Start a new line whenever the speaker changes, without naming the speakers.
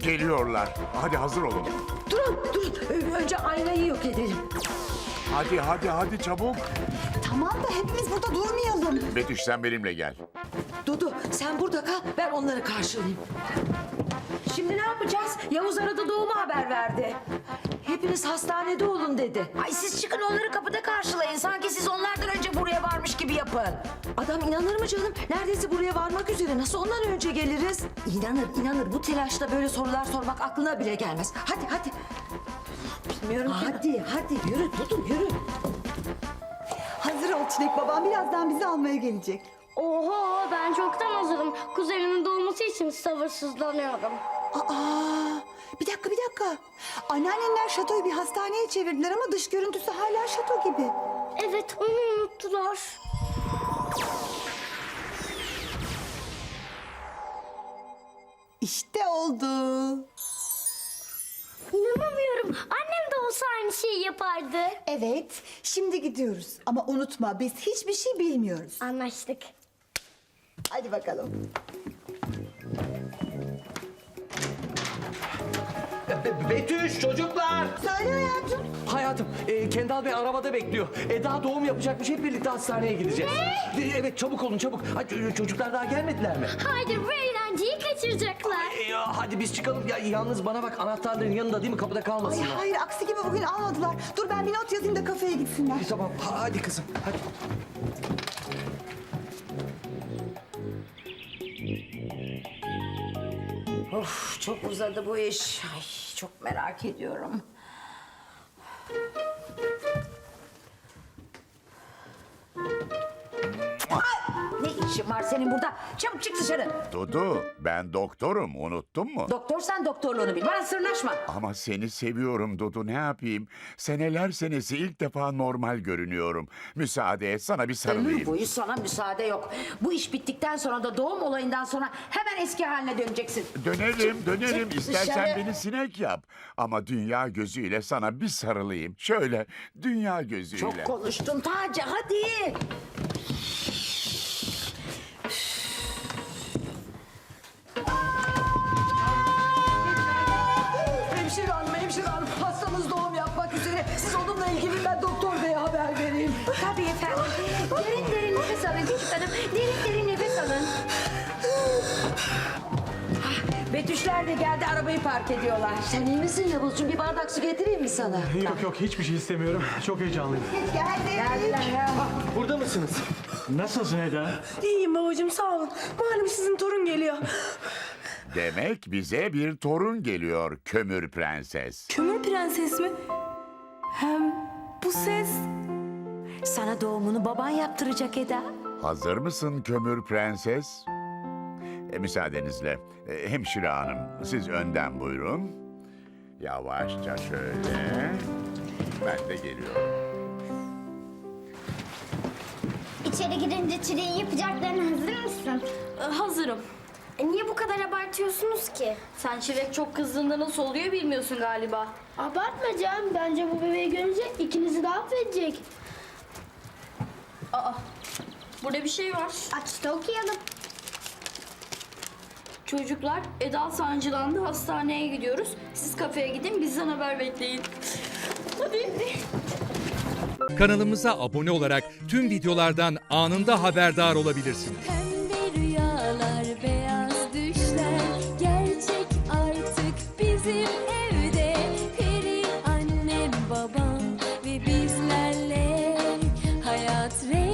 Geliyorlar. Hadi hazır olun.
Durun. Önce aynayı yok edelim.
Hadi çabuk.
Tamam da hepimiz burada durmayalım.
Betüş sen benimle gel.
Dudu sen burada kal, ben onları karşılayayım. Şimdi ne yapacağız? Yavuz arada doğuma haber verdi. Hepiniz hastanede olun dedi.
Ay siz çıkın onları kapıda karşılayın. Sanki siz onlardan önce buraya varmış gibi yapın.
Adam inanır mı canım? Neredeyse buraya varmak üzere. Nasıl ondan önce geliriz? İnanır. Bu telaşta böyle sorular sormak aklına bile gelmez. Hadi. Bilmiyorum ki. Hadi yürü Dudu yürü.
Hazır ol Çilek, babam birazdan bizi almaya gelecek.
Oho, ben çoktan hazırım. Kuzenimin doğması için sabırsızlanıyorum.
Aa, bir dakika. Anneannenler şatoyu bir hastaneye çevirdiler ama dış görüntüsü hala şato gibi.
Evet, onu unuttular.
İşte oldu.
İnanamıyorum. Annem de olsa aynı şeyi yapardı.
Evet, şimdi gidiyoruz. Ama unutma, biz hiçbir şey bilmiyoruz.
Anlaştık.
Hadi bakalım.
Betüş çocuklar.
Söyle hayatım.
Hayatım Kendal Bey arabada bekliyor. Daha doğum yapacakmış, hep birlikte hastaneye gideceğiz. Evet çabuk olun çabuk. Hadi, çocuklar daha gelmediler mi?
Haydi bu eğlenceyi kaçıracaklar.
Hadi biz çıkalım. Ya, yalnız bana bak, anahtarların yanında değil mi? Kapıda
Ay
kalmasınlar.
hayır, aksi gibi bugün almadılar. Dur ben bir not yazayım da kafeye gitsinler.
Tamam hadi kızım hadi.
Of çok uzadı bu iş. Ay çok merak ediyorum. Ne işin var senin burada? Çabuk çık dışarı.
Dudu ben doktorum, unuttun mu?
Doktor sen doktorluğunu bil. Bana sırnaşma.
Ama seni seviyorum Dudu, ne yapayım? Seneler senesi ilk defa normal görünüyorum. Müsaade et, sana bir
Ömür
sarılayım.
boyu sana müsaade yok. Bu iş bittikten sonra da doğum olayından sonra hemen eski haline döneceksin.
Dönerim.
çık
İstersen
dışarı.
beni sinek yap. Ama dünya gözüyle sana bir sarılayım. Şöyle, dünya gözüyle.
Çok konuştun Taci, hadi.
Hemşire hanım, hastamız doğum yapmak üzere. Siz onunla ilgili ben doktor beye haber vereyim.
Tabii efendim. Derin nefes alın küçük hanım. Derin nefes alın.
Betüşler de geldi, arabayı park ediyorlar.
Sen iyi misin Yavuzcuğum? Bir bardak su getireyim mi sana?
Yok hiçbir şey istemiyorum. Çok heyecanlıyım.
Geldiler ya.
Burada mısınız? Nasılsın Eda?
İyiyim babacığım sağ olun. Malum sizin torun geliyor.
Demek bize bir torun geliyor Kömür Prenses.
Kömür prenses mi? Hem bu ses...
Sana doğumunu baban yaptıracak Eda.
Hazır mısın Kömür Prenses? Müsaadenizle. Hemşire hanım, siz önden buyurun. Yavaşça şöyle. Ben de geliyorum.
İçeri girince Çileğin yapacaklarına hazır mısın?
Hazırım.
Niye bu kadar abartıyorsunuz ki?
Sen Çilek çok kızdığında nasıl oluyor bilmiyorsun galiba.
Abartma canım. Bence bu bebeği görünce ikinizi de affedecek.
Burada bir şey var.
Aç da okuyalım.
Çocuklar, Eda sancılandı, hastaneye gidiyoruz. Siz kafeye gidin, bizden haber bekleyin. Hadi.
Kanalımıza abone olarak tüm videolardan anında haberdar olabilirsiniz.
Pembe rüyalar, beyaz düşler gerçek artık bizim evde. Peri annem, babam ve bizlerle hayat rengi